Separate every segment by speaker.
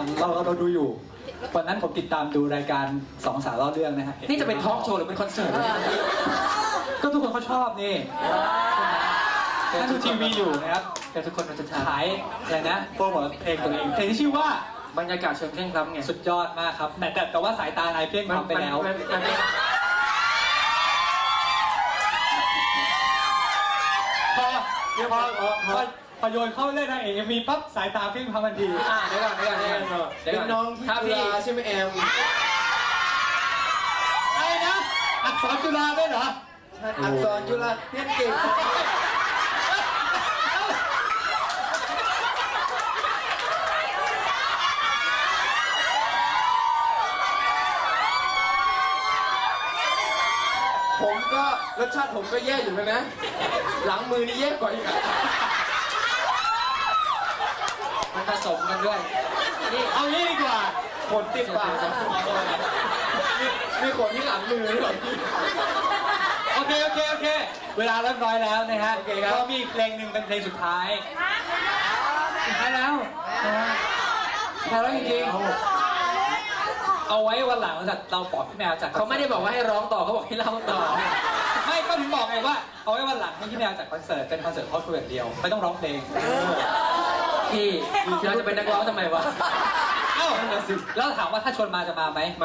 Speaker 1: เราดูอยู่วันนั้นผมติดตามดูรายการสองสาวเล่าเรื่องนะฮะ
Speaker 2: นี่จะเป็นทอล์กโชว์หรือเป็นคอนเสิร์ต
Speaker 1: ก็ทุกคนเขาชอบนี่ถ้าดูทีวีอยู่นะครับ
Speaker 2: แต่ทุกคนเราจะ
Speaker 1: ขายอะไรนะโปรโมทเพลงตัวเองเพลงที่ชื่อว่า
Speaker 2: บรรยากาศเชิงเคร่งครัดไง
Speaker 1: สุดยอดมากครับแต่ว่าสายตานายเพี้ยงทำไปแล้วพอโยนเข้าเล่นทางเอ็มวีปั๊บสายตาเพี้ยงทำทันที
Speaker 2: เดี๋ยวก่อน
Speaker 3: เป็นน้องที่จุฬาใช่ไหมแอม
Speaker 1: อะไรนะอักษรจุฬาด้วยเหรอ
Speaker 3: อักษรจุฬาเรียนเก่งผมก็รสชาติผมก็แย่อยู่นะหลังมือนี่แย่กว่าอีกอ่ะ
Speaker 2: มันผสมกันด้วย
Speaker 1: นี่เอางี้ดีกว่า
Speaker 3: ขนติดปากมีขนที่หลังมือด้วย
Speaker 1: โอเคเวลาเรียบร้อยแล้วนะฮะ
Speaker 3: โอเคครับ
Speaker 1: ก็มีเพลงหนึ่งเป็นเพลงสุดท้ายแล้วจริงๆเอาไว้วันหลังเราปลอบพี่แมวจาก
Speaker 2: เขาไม่ได้บอกว่าให้ร้องต่อเขาบอกให้เล่าต่อ
Speaker 1: ไม่ก็ถึงบอกไงว่าเอาไว้วันหลังให้พี่แมวจากคอนเสิร์ตเป็นคอนเสิร์ตทอดคุยอย่างเดียวไม่ต้องร้องเพลง
Speaker 2: พี่เราจะเป็นนักร้องทำไมวะ
Speaker 1: เอ้าแล้วถามว่าถ้าชวนมาจะมาไหม
Speaker 2: มา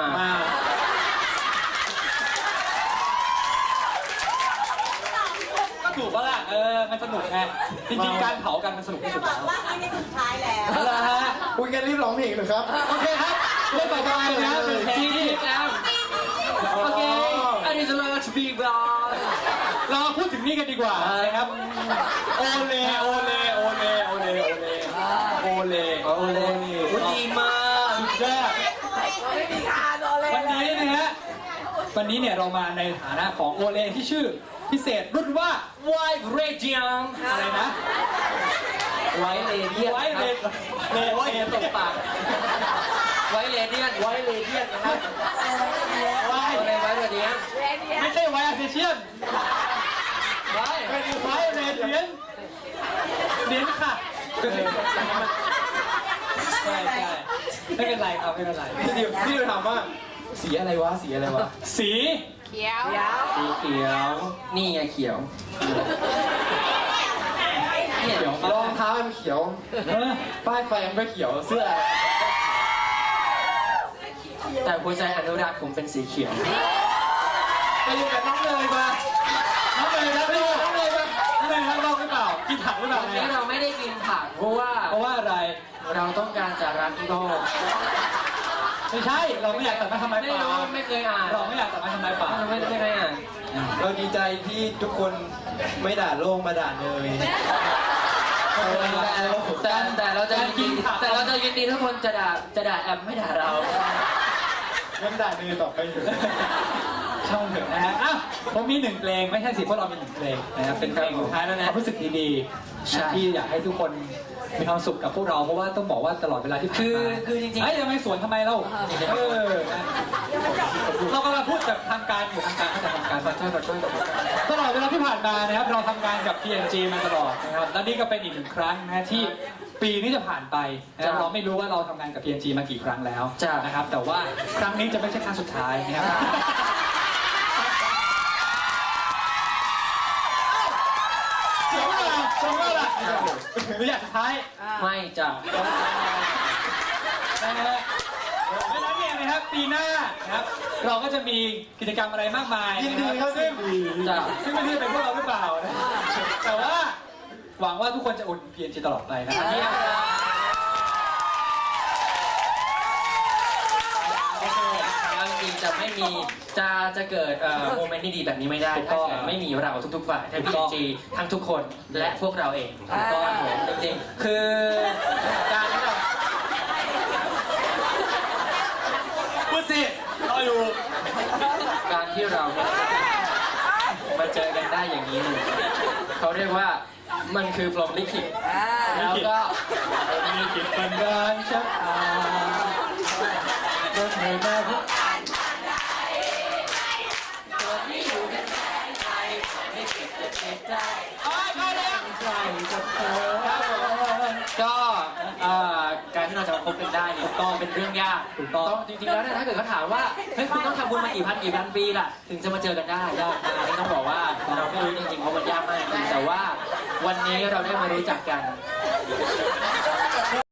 Speaker 1: ก็ถูกปะล่ะมันสนุกไงจริงๆการเผากันมันสนุกที่สุด
Speaker 4: บ
Speaker 1: แล้
Speaker 4: อก
Speaker 1: ว
Speaker 4: ว่านี่เป็นสุดท้ายแล้ว
Speaker 1: เอาละฮะ
Speaker 3: คุยกันรีบร้องเพลงเลยครับ
Speaker 1: โอเคครับเรื่องต่อไปนะเป็นเพลง
Speaker 2: ที่
Speaker 1: ที่
Speaker 2: แล้วโอเค I need to learn to be blind
Speaker 1: เรามาพูดถึงนี่กันดีกว่านะครับโอเลโอเลโอเลโอเลโอเลโอเลโอเล
Speaker 2: ดีมาก
Speaker 1: สุดยอด
Speaker 4: ไม่มีคาโดเลย
Speaker 1: วันนี้นะฮะวันนี้เนี่ยเรามาในฐานะของโอเลที่ชื่อพิเศษรุ่นว่า
Speaker 2: White Radium
Speaker 1: อะไรนะ
Speaker 2: White Radium
Speaker 1: ไว้เลนเลน
Speaker 2: ตกปาก White Radium White Radium นะครับ
Speaker 1: ไว้
Speaker 2: อะไร White Radium
Speaker 1: ไม่ใช่ไว้อาเซเชียน
Speaker 2: White
Speaker 1: เป็นไว้เลนเหรียญค่ะใช่ไม่เป็นไรครับไม่เป็นไร
Speaker 3: พี่ถามว่าสีอะไรวะสีอะไรวะ
Speaker 1: สี
Speaker 4: เขียว
Speaker 2: สีเขียว นี่ไงเขียว
Speaker 1: เดี๋ยว
Speaker 3: รองเท้ามันเขียว ป้ายไฟมันก็เขียวเสื้อ
Speaker 2: แต่หัวใจอนุรักษ์ผมเป็นสีเขียว
Speaker 1: ไปอยู่กับน้องเลยมาน้องเลยรักโลกน้องเลยรักโลกหรือเปล่ากินผักหรือเปล่า
Speaker 2: วันนี้เราไม่ได้กินผักเพราะว่า
Speaker 1: เพราะว่าอะไร
Speaker 2: เราต้องการจะรักโลก
Speaker 1: ไม่ใช่เราไม่อยากตัดไม้ทำลาย
Speaker 2: ไม่
Speaker 1: ป่า
Speaker 2: รู้ไม่เคยอ่าน
Speaker 1: เราไม่อยากตัดไม้ทำลายป่า
Speaker 2: ไม่เคยอ่าน
Speaker 3: เราดีใจที่ทุกคนไม่ด่าโลกมาด่าเนย
Speaker 2: แต่เราจะยินดีแต่เราจะยินดีทุกคนจะด่าแอมไม่ด่าเรา
Speaker 3: งั้นด่าเนยต่อไปอยู่
Speaker 1: ช่องเถอะนะฮะอ้าวผมมีหนึ่งเพลงไม่ใช่สิเพราะเรามีหนึ่งเพลงนะครับเป็นเพลงสุดท้ายแล้วนะรู้สึกดีๆนะที่อยากให้ทุกคนมีความสุขกับพวกเราเพราะว่าต้องบอกว่าตลอดเวลาที่ผ่านมา
Speaker 2: คือจริงๆ
Speaker 1: เฮ้ยทำไมสวนทำไมเรานะเรากำลังพูดแบบทางการอยู่ทางการแต่ทางการขอโทษตลอดเวลาที่ผ่านมานะครับเราทำงานกับ PNG มาตลอดนะครับและนี่ก็เป็นอีกหนึ่งครั้งนะที่ปีนี้จะผ่านไปนะครับเราไม่รู้ว่าเราทำงานกับ PNG มากี่ครั้งแล้วนะครับแต่ว่าครั้งนี้จะไม่ใช่ครั้งสุดท้ายนะครับชมว่าล่ะไม่อยากสุดท้าย
Speaker 2: ไม่จ้ะ
Speaker 1: นะฮะเพราะฉะนั้นเนี่ยนะครับปีหน้านะครับเราก็จะมีกิจกรรมอะไรมากมาย
Speaker 3: ยินดี
Speaker 1: นะค
Speaker 3: ครั
Speaker 1: รับบ ซึ่ง
Speaker 2: จ้ะ
Speaker 1: ไม่รู้จะเป็นพวกเราหรือเปล่านะแต่ว่าหวังว่าทุกคนจะอุด PNG ตลอดไปนะครับ
Speaker 2: แล้วจริงๆจะไม่มีจะเกิดโมเมนต์ที่ดีแบบนี้ไม่ได้ถ้าเกิดไม่มีเราทุกๆฝ่ายทั้งพีจีทั้งทุกคนและพวกเราเองก็จริงๆคือการที่เรา
Speaker 1: พูดสิรออยู่
Speaker 2: การที่เรามาเจอกันได้อย่างนี้เลยเขาเรียกว่ามันคือพรหมลิขิตแล้วก็
Speaker 1: มีกิจเป็นการชักอาก็ไม่ได้พบ
Speaker 2: ก็การที่เราจะมาพบกันได้เนี่ยก็เป็นเรื่องยาก
Speaker 1: ถูกต้อง
Speaker 2: จริงๆแล้วเนี่ยถ้าเกิดเขาถามว่าเฮ้ยคุณต้องทำบุญมากี่พันปีล่ะถึงจะมาเจอกันได้อันนี้ต้องบอกว่าเราไม่รู้จริงๆเพราะมันยากมากจริงแต่ว่าวันนี้เราได้มารู้จักกัน